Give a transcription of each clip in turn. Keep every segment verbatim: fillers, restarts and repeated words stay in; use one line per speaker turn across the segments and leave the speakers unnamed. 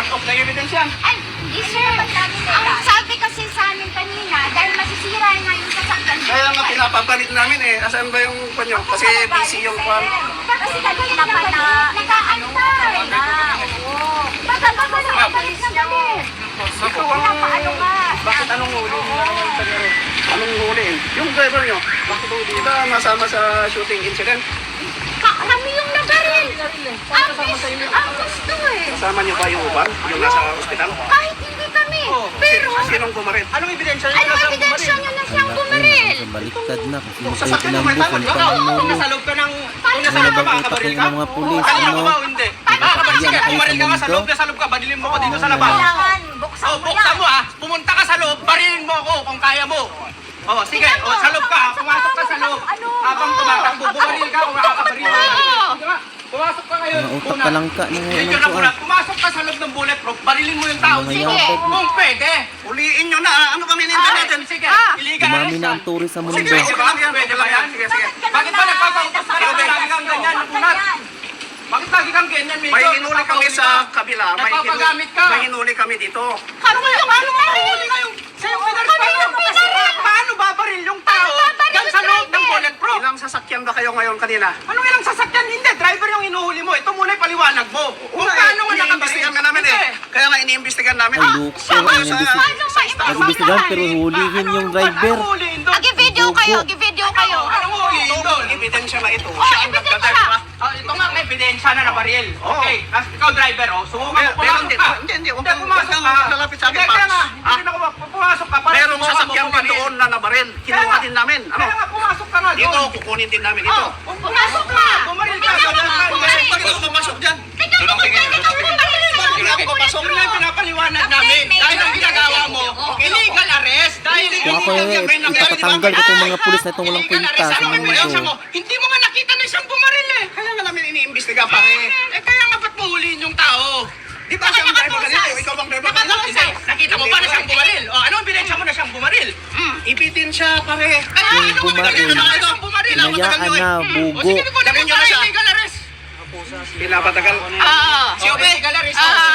part of the evidence yan.
Ay, yes sir. Ang sabi kasi sa amin kanina, dahil masisira nga yung sasakyan.
Kaya nga pinapapalit namin eh. Asan ba yung panyo? Kasi busy yung kwan.
Kasi kanina pa na nag-aantay na. Oo. Baka ba ba nakapalit na galit?
Ito ang...
Paano nga?
Bakit anong huli? Anong huli? Yung driver nyo, bakit huli? Di ba masama sa shooting incident?
Ka- Kami yung nabaril. Ang gusto, ang gusto eh.
Kasama nyo ba yung uban? Yung nasa ospital?
Kahit hindi kami. Pero,
Sinong bumaril? Anong ebidensya nyo?
ano ebidensya nyo na siyang bumaril?
Baliktad na kung sino
Sa
kayo
sakyan mo may
pinambukan
tama.
pa ng
Kung
ulo.
nasa loob ka ng... Kung nasa
Ano
loob ka,
bang
makakabaril
itakil
ka?
ng mga pulis?
Kanina
Ano?
ko ba o hindi? Makakabaril ka, bumaril ka nga sa loob, nasa loob ka, badilin mo ko dito sa labas.
Kailangan, buksan
Oh,
mo
buksan
yan.
mo ah. Pumunta ka sa loob, barilin mo ako kung kaya mo. Oh, sige. Oh, sa loob ka. Pumasok ka sa loob. Habang tumatakbo, bumaril ka o makakabaril ka. Sige nga. Pumasok ka ngayon.
Mga utak ka lang ka ng
Medyo na muna. Pumasok ka sa loob ng bulletproof, barilin mo yung tao.
Mga
Sige.
yapak.
Kung pwede. Uliin nyo na. Ano bang hinintay natin? Sige. Illegal
Dumami
arrest
na
yan.
ang turis sa mundo.
Sige, pwede ba? Pwede ba yan? Sige, sige. Bakit ba nagpapautos ka rin? Lagi kang ganyan, nakunat. Bakit lagi kang ganyan, Major?
May hinuli kami sa kabila. May
Nagpapagamit ka.
May hinuli kami dito.
Ano yung ano mahuli ngayong sa'yo pinaris pa yun? Paano babaril yung tao dyan sa loob ng bulletproof?
Ilang sasakyan ba kayo ngayon kanina?
Anong ilang sasakyan? Hindi, driver yung inuhuli mo. Ito muna yung paliwanag mo. Kung paano nga nakabaril?
Iniimbestigan ka namin eh. Kaya nga iniimbestigan namin.
Ay, luko.
Siya ba yung sa...
Paano ma-
Nag-imbestigahan pero hulihin yung driver.
Anong huliin doon?
Agi-video kayo, agi-video kayo.
Anong huliin doon?
Ebidensya na ito.
Oh,
Siya ang
ebidensya.
nagdadrive.
Ah, ito nga may ebidensya na nabaril. Okay, as ikaw driver, oh, subukan mo
Meron
pumasok
din.
ka.
Hindi, hindi. Huwag
Hindi,
kang
pumasok
huwag
ka.
kang lalapit sa akin,
Hindi, kaya
Paps.
nga,
Ah?
hindi na ako pumasok ka. para
Merong
subukan mo
sasakyan din
bumaril.
doon na nabaril. Kinuha din namin. Ano?
Kaya nga, pumasok ka na
Dito,
doon.
kukunin din namin ito.
Oh,
Pumasok ka.
Bumaril ka.
Tingnan mo,
Bumaril.
bumaril.
Bakit ako papasok dyan?
Tingnan mo, tingnan mo, bumaril na
Bakit ako papasok?
Yun ang pinapaliwanag namin. Dahil ang ginagawa mo, illegal arrest. Dahil
Kung ako eh, ipapatanggal ko itong mga pulis na itong walang
illegal
kwenta
arrest.
sa
Ano ang ebidensya mo?
mundo.
Hindi mo nga nakita na isang bumaril eh.
Kaya nga namin iniimbestiga pare.
Eh kaya nga ba't mahuliin yung tao?
Di ba siyang driver kanina? Ikaw bang driver kanina?
Hindi. Nakita mo ba na siyang bumaril? O ano ang ebidensya mo na siyang bumaril?
Ibitensya pare.
Kaya
Yung
ano ang
bumaril.
ebidensya mo na siyang bumaril?
Hinayaan na,
O
bugo.
sige, kunin
Dalhin
mo
niyo na
para
siya.
illegal arrest.
Pinapatagal.
Ah,
Si Obe. Illegal arrest.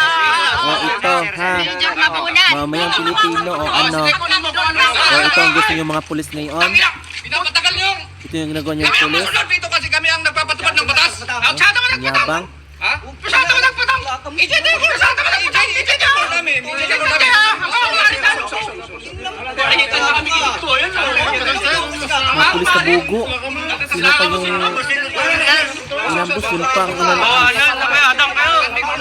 O ito ha,
Major Mapunan.
mamayang Pilipino o
O
ano.
sige, kunin mo kung ano.
O ito ang gusto yung mga pulis ngayon.
Tangina! Pinapatagal niyo!
Ito yung ginagawa niyong
Kami ang
pulis.
masunod dito kasi kami ang nagpapatupad ng batas. Masyado mo
Ang
nagpatang!
yabang.
Ha? Masyado mo nagpatang! Ijete ko! Masyado mo nagpatang! Ijete ko! Ijete ko namin! Oo, maritan! Maritan na kami dito. Ayan o.
Mga pulis na bugo. Sino pa yung inambos? Yun pa ang inan.
Oo, ayan. Sabay, adang kayo.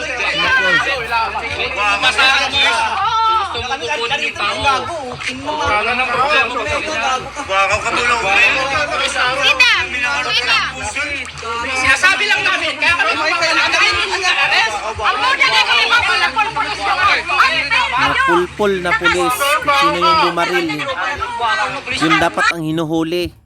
Masahan mo. Gusto mo kukunin yung tao. Kala ng problema.
Baka katulong.
Sina, sina.
Sinasabi lang namin. Kaya kami magpapalagayin yung arrest.
Ang muna na kayo mapalapol po sa
Mga pulpol na pulis. Sino yung bumaril? Yun dapat ang hinuhuli.